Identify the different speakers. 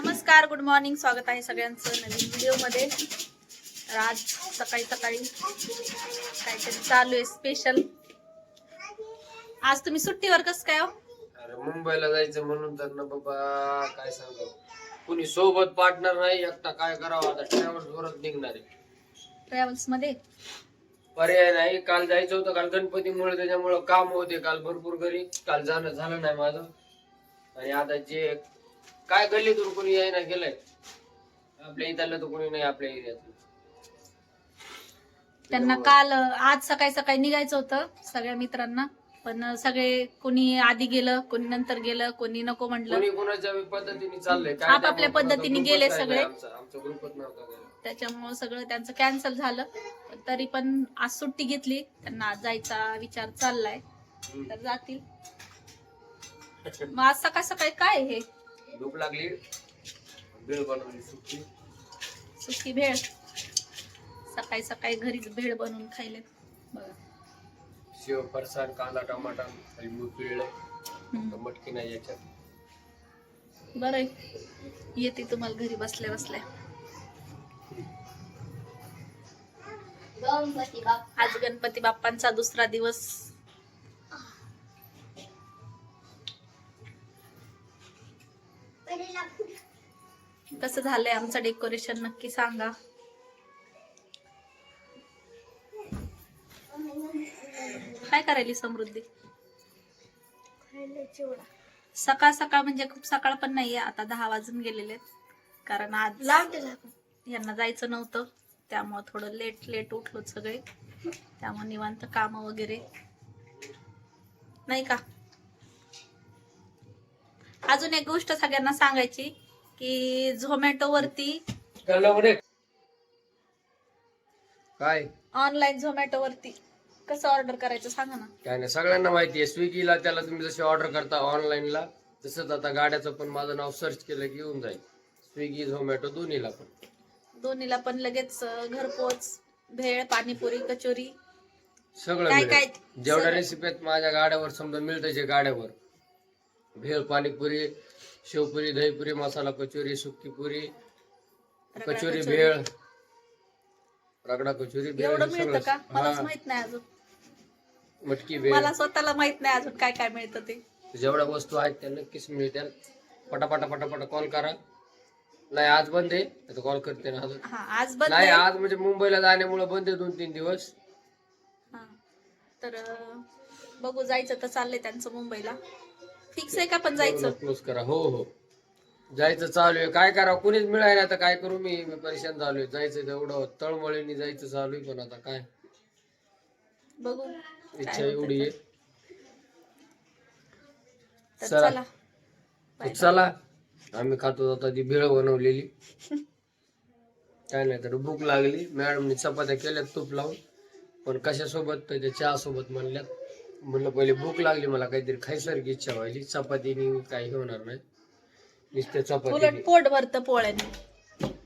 Speaker 1: नमस्कार, good morning. स्वागत आहे सगळ्यांचं नवीन व्हिडिओमध्ये. तर आज सकाळी सकाळी काहीतरी चालू आहे स्पेशल. आज तुम्ही सुट्टीवर कसं काय हो?
Speaker 2: अरे मुंबईला जायचं म्हणून तर ना बाबा काय सांगावं, कुणी सोबत पार्टनर नाही, एकटा काय करावं. आता ट्रॅव्हल्स वरच निघणार आहे,
Speaker 1: ट्रॅव्हल्स मध्ये
Speaker 2: पर्याय नाही. काल जायचं होतं, काल गणपतीमुळे त्याच्यामुळे काम होते काल भरपूर घरी, काल जाणं झालं नाही माझं. आणि आता जे काय गल्लीतून कोणी यायला गेलंय, आपल्या इथलं तर कोणी नाही आपल्या एरियातलं.
Speaker 1: त्यांना काल आज सकाळी सकाळी निघायचं होतं सगळ्या मित्रांना, पण सगळे कोणी आधी गेलं, कोणी नंतर गेलं, कोणी नको म्हटलं.
Speaker 2: कोणी कोणाच्या पद्धतीने चाललंय,
Speaker 1: आपापल्या पद्धतीने गेले सगळे.
Speaker 2: आमचा ग्रुपच नव्हता गेला.
Speaker 1: त्याच्यामुळे सगळं त्यांचं कॅन्सल झालं. पण तरी पण आज सुट्टी घेतली, त्यांना आज जायचा विचार चाललाय, तर जातील. मग आज सकाळ सकाळी काय हे
Speaker 2: भूक लागली, भेळ बनवली,
Speaker 1: सुकी भेळ. सकाळी सकाळी घरीच भेळ बनवून खायले बघा.
Speaker 2: शेव, फरसाण, कांदा, टमाटा, लिंबू पिळलं, मटकी नाही याच्यात.
Speaker 1: बरं आहे, येते तुम्हाला घरी बसल्या बसल्या. आज गणपती बाप्पांचा दुसरा दिवस. कसं झालंय आमचं डेकोरेशन नक्की सांगा. काय करायली समृद्धी? सकाळ सकाळ म्हणजे खूप सकाळ पण नाहीये, आता 10 वाजून गेलेले, कारण आज यांना जायचं नव्हतं, त्यामुळे थोडं लेट उठलो सगळे. त्यामुळे निवांत काम वगैरे नाही का. अजून एक गोष्ट सगळ्यांना सांगायची की झोमॅटो वरती
Speaker 2: काय
Speaker 1: ऑनलाईन झोमॅटो वरती कसं ऑर्डर करायचं सांगा ना.
Speaker 2: काय नाही, सगळ्यांना माहिती आहे. स्विगीला त्याला तुम्ही जशी ऑर्डर करता ऑनलाईनला, तसंच आता गाड्याचं पण माझं नाव सर्च केलं की येऊन जाईल. स्विगी, झोमॅटो दोन्हीला पण
Speaker 1: लगेच घरपोच भेळ, पाणीपुरी, कचोरी
Speaker 2: सगळं
Speaker 1: काय
Speaker 2: मिळेल.
Speaker 1: काय
Speaker 2: जेवढ्या रेसिपी आहेत माझ्या गाड्यावर समजा मिळतं, जे गाड्यावर भेळ, पाणीपुरी, शेवपुरी, दहीपुरी, मसाला कचोरी, सुक्की पुरी, कचोरी भेळ, रगडा कचोरी भेळ,
Speaker 1: एवढं
Speaker 2: हे
Speaker 1: मिळतं का?
Speaker 2: सगळं.
Speaker 1: मलाच माहित नाही अजून.
Speaker 2: मटकी भेळ,
Speaker 1: मला स्वतःला माहित नाही अजून काय काय मिळतं ते.
Speaker 2: जेवढ्या वस्तू आहेत त्या नक्कीच मिळतील. पटापटा पटापटा कॉल करा. नाही आज बंद आहे, आता कॉल करते ना अजून.
Speaker 1: हा आज बंद
Speaker 2: नाही,
Speaker 1: आहे.
Speaker 2: आज म्हणजे मुंबईला जाण्यामुळे बंद आहे 2-3 दिवस.
Speaker 1: हा, तर बघू, जायचं तर चाललंय त्यांचं मुंबईला. फिक्स आहे का पण जायचं?
Speaker 2: क्लोज करा. हो हो, जायचं चालू आहे. काय करा, कुणीच मिळाय ना, तर काय करू. मी परेशान झालोय. जायचं तेवढं तळमळीने जायचं चालू आहे, पण आता काय
Speaker 1: बघू,
Speaker 2: इच्छा एवढी आहे.
Speaker 1: तर
Speaker 2: चला
Speaker 1: चला
Speaker 2: चला, आम्ही खातो आता ती भेळ बनवलेली. काय नाही तर भूक लागली. मॅडमनी चपात्या केल्यात तूप लावून, पण कशासोबत तर चहा सोबत म्हणल्यात. म्हणलं पहिले भूक लागली, मला काहीतरी खायसारखी इच्छा व्हायली. चपातीने काही होणार नाही, नुसत्या चपाती.
Speaker 1: उलट पोट भरतं पोळ्याने.